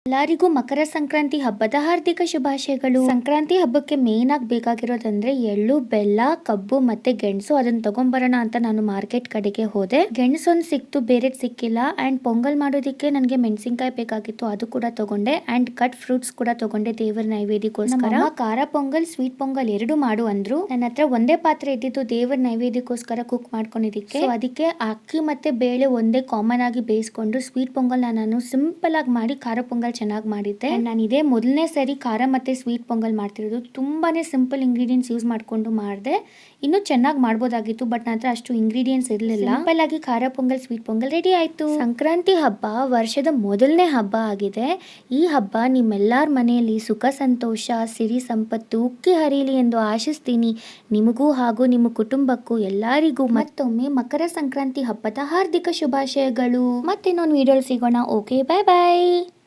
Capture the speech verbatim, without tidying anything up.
ಎಲ್ಲರಿಗೂ ಮಕರ ಸಂಕ್ರಾಂತಿ ಹಬ್ಬದ ಹಾರ್ದಿಕ ಶುಭಾಶಯಗಳು. ಸಂಕ್ರಾಂತಿ ಹಬ್ಬಕ್ಕೆ ಮೇನ್ ಆಗಿ ಬೇಕಾಗಿರೋದಂದ್ರೆ ಎಳ್ಳು, ಬೆಲ್ಲ, ಕಬ್ಬು ಮತ್ತೆ ಗೆಣಸು. ಅದನ್ನ ತಗೊಂಬರೋಣ ಅಂತ ನಾನು ಮಾರ್ಕೆಟ್ ಕಡೆಗೆ ಹೋದೆ. ಗೆಣಸು ಒಂದ್ ಸಿಕ್ತು, ಬೇರೆ ಸಿಕ್ಕಿಲ್ಲ. ಅಂಡ್ ಪೊಂಗಲ್ ಮಾಡೋದಿಕ್ಕೆ ನನಗೆ ಮೆಣಸಿನಕಾಯಿ ಬೇಕಾಗಿತ್ತು, ಅದು ಕೂಡ ತಗೊಂಡೆ. ಅಂಡ್ ಕಟ್ ಫ್ರೂಟ್ಸ್ ಕೂಡ ತಗೊಂಡೆ ದೇವರ ನೈವೇದ್ಯಕ್ಕೋಸ್ಕರ. ನಮ್ಮ ಖಾರ ಪೊಂಗಲ್, ಸ್ವೀಟ್ ಪೊಂಗಲ್ ಎರಡು ಮಾಡು ಅಂದ್ರು. ನನ್ನ ಹತ್ರ ಒಂದೇ ಪಾತ್ರೆ ಇದ್ದಿದ್ದು ದೇವರ ನೈವೇದ್ಯಕ್ಕೋಸ್ಕರ ಕುಕ್ ಮಾಡ್ಕೊಂಡಿದ್ದಕ್ಕೆ. So ಅದಕ್ಕೆ ಅಕ್ಕಿ ಮತ್ತೆ ಬೇಳೆ ಒಂದೇ ಕಾಮನ್ ಆಗಿ ಬೇಯಿಸ್ಕೊಂಡು ಸ್ವೀಟ್ ಪೊಂಗಲ್ ನಾನು ಸಿಂಪಲ್ ಆಗಿ ಮಾಡಿ ಖಾರ ಪೊಂಗಲ್ ಚೆನ್ನಾಗಿ ಮಾಡಿದ್ದೆ. ನಾನು ಇದೇ ಮೊದಲನೇ ಸರಿ ಖಾರ ಮತ್ತೆ ಸ್ವೀಟ್ ಪೊಂಗಲ್ ಮಾಡ್ತಿರೋದು. ತುಂಬಾನೇ ಸಿಂಪಲ್ ಇಂಗ್ರೀಡಿಯೆಂಟ್ಸ್ ಯೂಸ್ ಮಾಡ್ಕೊಂಡು ಮಾಡಿದೆ. ಇನ್ನು ಚೆನ್ನಾಗಿ ಮಾಡ್ಬೋದಾಗಿತ್ತು, ಬಟ್ ನನ್ನ ಹತ್ರ ಅಷ್ಟು ಇಂಗ್ರೀಡಿಯೆಂಟ್ಸ್ ಇರಲಿಲ್ಲ. ಸಿಂಪಲ್ ಆಗಿ ಖಾರ ಪೊಂಗಲ್, ಸ್ವೀಟ್ ಪೊಂಗಲ್ ರೆಡಿ ಆಯ್ತು. ಸಂಕ್ರಾಂತಿ ಹಬ್ಬ ವರ್ಷದ ಮೊದಲನೇ ಹಬ್ಬ ಆಗಿದೆ. ಈ ಹಬ್ಬ ನಿಮ್ಮೆಲ್ಲರ ಮನೆಯಲ್ಲಿ ಸುಖ, ಸಂತೋಷ, ಸಿರಿ, ಸಂಪತ್ತು ಉಕ್ಕಿ ಹರಿಯಲಿ ಎಂದು ಆಶಿಸ್ತೀನಿ. ನಿಮಗೂ ಹಾಗೂ ನಿಮ್ಮ ಕುಟುಂಬಕ್ಕೂ ಎಲ್ಲರಿಗೂ ಮತ್ತೊಮ್ಮೆ ಮಕರ ಸಂಕ್ರಾಂತಿ ಹಬ್ಬದ ಹಾರ್ದಿಕ ಶುಭಾಶಯಗಳು. ಮತ್ತೆ ಇನ್ನೊಂದು ವಿಡಿಯೋ ಸಿಗೋಣ. ಓಕೆ, ಬಾಯ್ ಬಾಯ್.